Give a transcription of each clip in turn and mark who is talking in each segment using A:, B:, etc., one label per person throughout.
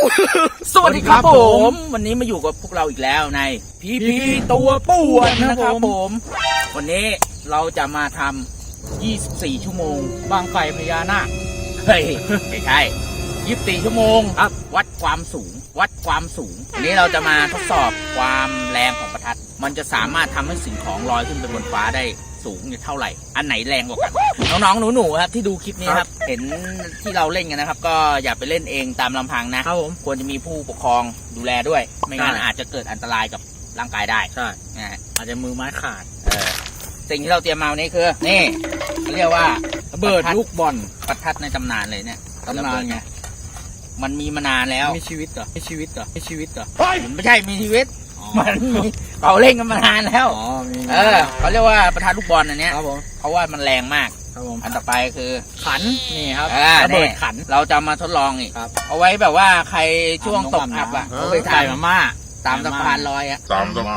A: สวัสดีครับผมวันนี้มาอยู่กับพวกเราอีกแล้วในพีตัวป่วนนะครับผมวันนี้เราจะมาทำ24 ชั่วโมงบางไฟพญานาคเฮ้ยไม่ใช่24 ชั่วโมงครับวัดความสูงวันนี้เราจะมาทดสอบความแรงของประทัดมันจะสามารถทำให้สิ่งของลอยขึ้นไปบนฟ้าได้สูงเท่าไหร่อันไหนแรงกว่ากันน้องๆหนูๆครับที่ดูคลิปนี้ครับเห็นที่เราเล่นกันนะครับก็อย่าไปเล่นเองตามลำพังนะครับผมควรจะมีผู้ปกครองดูแลด้วยไม่งั้นอาจจะเกิดอันตรายกับร่างกายได้ใช่อาจจะมือไม้ขาดสิ่งที่เราเตรียมมาวันนี้คือนี่เขาเรียกว่าระเบิดลูกบอลประทัดในตำนานเลยเนี่ยตำนานไงมันมีมานานแล้วมีชีวิตเหรอไม่ใช่มีชีวิตมันมีเขาเล่นกันมานานแล้วเขาเรียกว่าประทัดลูกบอลอันเนี้ยเพราะว่ามันแรงมากอันต่อไปคือขันนี่ครับระเบิดขันเราจะมาทดลองอีกเอาไว้แบบว่าใครช่วงตกอับอ่ะเขาไปถ่ายมาม่าตามสะพานลอยอ่ะ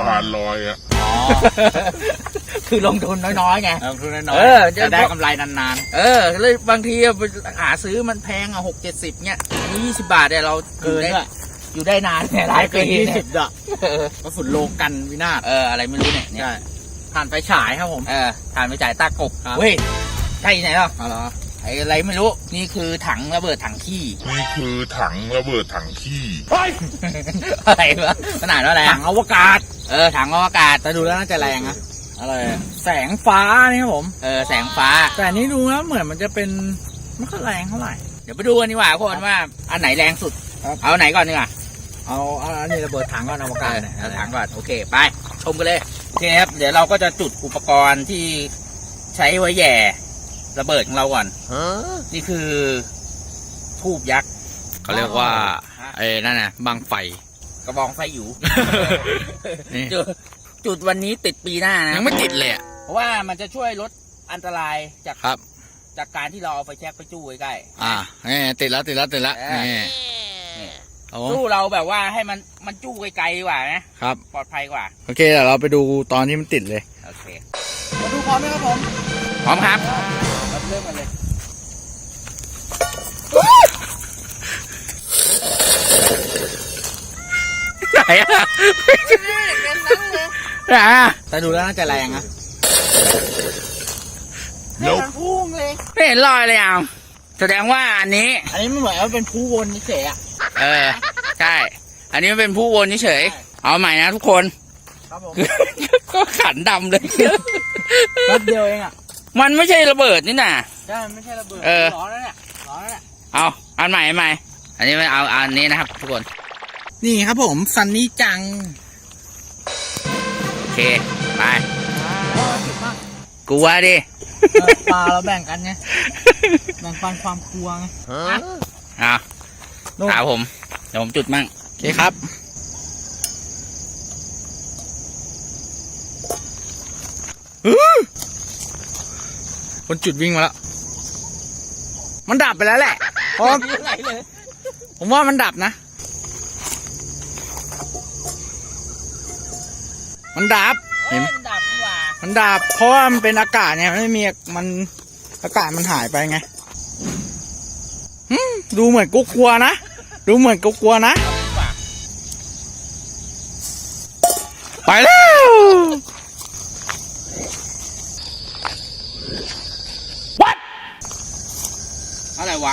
A: คือลงทุนน้อยๆไงลงทุนน้อยจะได้กำไรนานๆเลยบางทีหาซื้อมันแพงอ่ะ60-70เนี่ยอันนี้20 บาทเนี่ยเราอยู่ได้นานเนี่ยหลายปี20อ่ะก็ฝุ่นโลกันวินาศอะไรไม่รู้เนี่ยถ่านไฟฉายครับผมถ่านไฟฉายตากบเว้ยใช่ไหนหรออะไรไม่รู้นี่คือถังระเบิดถังขี้อะไรวะขนาดว่าอะไรถังอวกาศถังอวกาศแต่ดูแล้วน่าจะแรงนะอะไรแสงฟ้านี่ครับผมแสงฟ้าแต่นี่ดูนะเหมือนมันจะเป็นไม่ค่อยแรงเท่าไหร่เดี๋ยวไปดูกันดีกว่าคนว่าอันไหนแรงสุดเอาไหนก่อนดีกว่าเอาอันนี้ระเบิดถังก่อนอวกาศเอาถังก่อนโอเคไปชมกันเลยโอเคครับเดี๋ยวเราก็จะจุดอุปกรณ์ที่ใช้ไว้แย่ระเบิดของเราก่อนนี่คือทูบยักษ์
B: เขาเรียกว่าไอ้นั่นน่ะบังไฟ
A: กระบองไฟอยู่ จุดวันนี้ติดปีหน้านะ
B: ยังไม่ติดเลย
A: เพราะว่ามันจะช่วยลดอันตรายจากการที่เราเอาไฟแช็กไปจู้ใกล้
B: ติดแล้ว
A: จู้เราแบบว่าให้มันจู้ไกลๆกว่านะครับปลอดภัยกว่า
B: โอเคเดี๋ยวเราไปดูตอนที่มันติดเลย
A: โอเคมาดูพร้อมไหมครับผมพร้อมครับเราเริ่มกันเลยไหนแต่ดูแล้วน่าจะแรงนะไม่เห็นพุ่งเลยไม่เห็นรอยเลยอ่ะแสดงว่าอันนี้ไม่เหมือนว่าเป็นผู้วนเฉยใช่อันนี้มันเป็นผู้วนเฉยเอาใหม่นะทุกคนครับผมก็ขันดำเลยนัดเดียวเองอ่ะมันไม่ใช่ระเบิดนี่น่ะใช่ไม่ใช่ระเบิดร้อนแล้วเนี่ยเอาอันใหม่อันนี้ไม่เอาอันนี้นะครับทุกคนนี่ครับผมซันนี่จังโอเคไปกลัวดิปลาเราแบ่งกันไงแบ่งปันความกลัวไงเอาผมเดี๋ยวผมจุดมั่ง
B: โอเคครับคนจุดวิ่งมาแล้วมันดับไปแล้วแหละเพราะผมว่ามันดับนะมันดับเห็นมันดับเพราะว่ามันเป็นอากาศเนี่ยไม่มีมันอากาศมันหายไปไงดูเหมือนกลัวนะไปแล้ววัด
A: อะไรวะ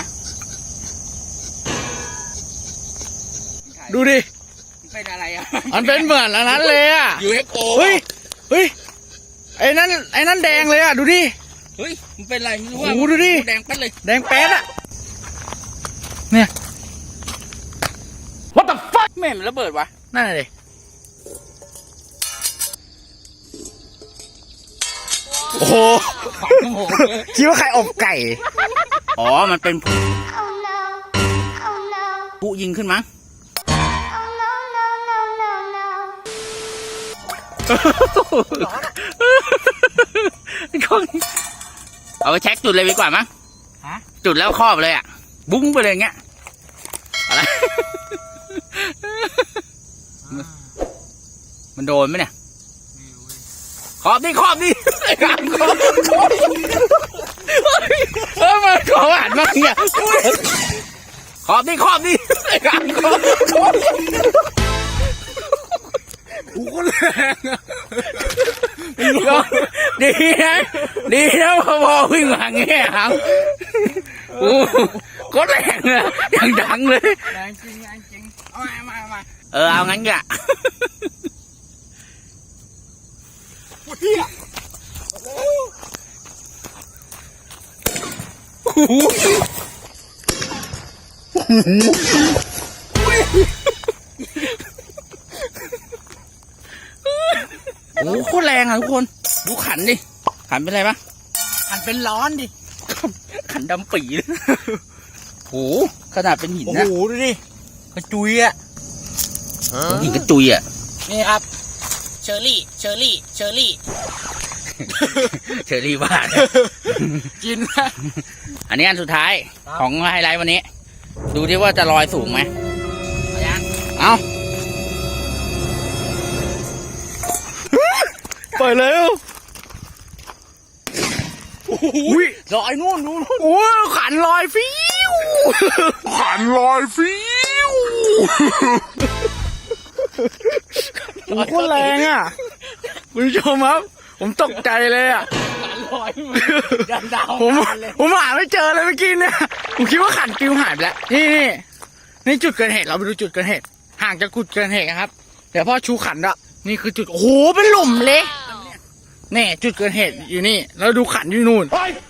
B: ดูดิ
A: เป็นอะไรอ่ะ
B: มันเป็นเหมือนอันนั้นเลยอ่ะ
A: UFO
B: เฮ้ยไอ้นั่นแดงเลยอ่ะดูดิ
A: เฮ้ยมันเป็นอะไรไม่รู้ว่า
B: ดูดิ
A: แดงแป๊ดเลย
B: แดงแป๊ดอ่ะเนี่ย What the fuck
A: ไม่เห็นระเบิดวะ
B: นั่นเลยโอ้โหคิดว่าใครอบไก่
A: อ๋อมันเป็นผู้ยิงขึ้นมั้งเอาไปเช็คจุดเลยดีกว่ามั้งจุดแล้วครอบเลยอ่ะบุ้งไปเลยเงี้ยอะไรมันโดนไหมเนี่ยขอบดิมันขอหวานมากเนี่ยขอบดิขอบดิขอบขอบ
B: โอ้โหแรงอะ
A: ดีนะดีนะพอวิ่งมาเงี้ยครับโอ้ก็แรงอะอย่างดังเลย
B: แรงจริงแรงจริงเอามา
A: เอางั้นกะ โอ้โคตรแรงอ่ะทุกคนดูขันดิขันเป็นไรปะ
B: หันเป็นร้อนดิ
A: ขันดำปีเลยโหขนาดเป็นหิน
B: โอ้
A: นะ
B: โหดูดิกระจุยอ่ะ
A: หินกระจุยอ่ะ
B: นี่ครับเชอรี่เชอรี่เชอรี่
A: เชอรี่บ้าน
B: กินนะ
A: อันนี้อันสุดท้าย
B: ครับ
A: ของไฮไลท์วันนี้ ดูดิว่าจะลอยสูงไหมเอา
B: ปล่อยเร็ว
A: อุ้ยลอยนู่นดู
B: โอ้ยขันลอยฟิวขันลอยฟิวโอ้โหโคตรแรงอ่ะคุณผู้ชมครับผมตกใจเลยอ่ะ
A: ลอยดันดาว
B: ผมหาไม่เจอเลยเมื่อกี้เนี่ยผมคิดว่าขันปิวหายไปแล้วนี่จุดเกิดเหตุเราไปดูจุดเกิดเหตุห่างจากจุดเกิดเหตุนะครับเดี๋ยวพ่อชูขันอะนี่คือจุดโอ้โหเป็นหลุมเลยนี่จุดเกิดเหตุอยู่นี่แล้วดูขันอยู่นู่น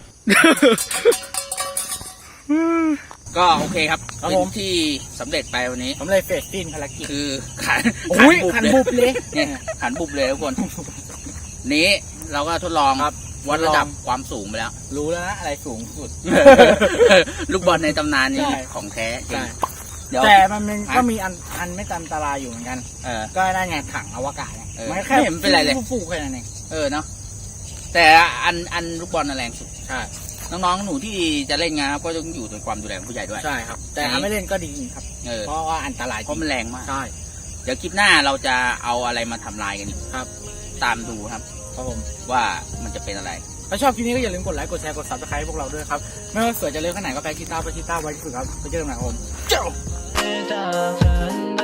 A: ก็โอเคครับ
B: ครับ
A: เป็น
B: ผม
A: ที่สำเร็จไปวันนี้
B: ผมเลยเฟสตินภารกิจ
A: คือขัน
B: โอ้ยขันบุบเลย
A: เนี่ยขันบุบเลยทุกคน นี้เราก็ทดลอง
B: ครับ
A: วัดระดับความสูงไปแล้ว
B: รู้แล้วนะอะไรสูงสุด
A: ลูกบอลในตำนานนี้
B: ใช่
A: ของแท้จริ
B: ใช่
A: งเดี๋ยว
B: แต่มันก็มีอันไม่อันตรายอยู่เหมือนกัน
A: เออ
B: ก็ได้ไงถังอวกาศไง
A: เออ
B: มันแค่
A: ไม่เห็นเป็นไรเลย
B: ฟูๆแค่นั้นเอง
A: เนาะแต่อันลูกบอลน่ะแรงสุด
B: ใช่
A: น้องๆหนูที่จะเล่นงานก็ต้องอยู่ในความดูแลของผู้ใหญ่ด้วย
B: ใช่ครับ แต่ถ้าไม่เล่นก็ดีครับ เพราะว่าอันตรายจ
A: เพ
B: ริ
A: ราะ
B: ง
A: มันแรงมาก
B: ใช่
A: เดี๋ยวคลิปหน้าเราจะเอาอะไรมาทำลายกันอีก
B: ครับ
A: ตามดูครับ
B: ครับผม
A: ว่ามันจะเป็นอะไร
B: ถ้าชอบคลิปนี้ก็อย่าลืมกดไลค์ กดแชร์ กด subscribe ให้พวกเราด้วยครับ ไม่ว่าสวยจะเล็กขนาดไหนก็ไปกีตาร์ไว้ที่สุดครับไปเจอกันใหม่ครับผมเจ้า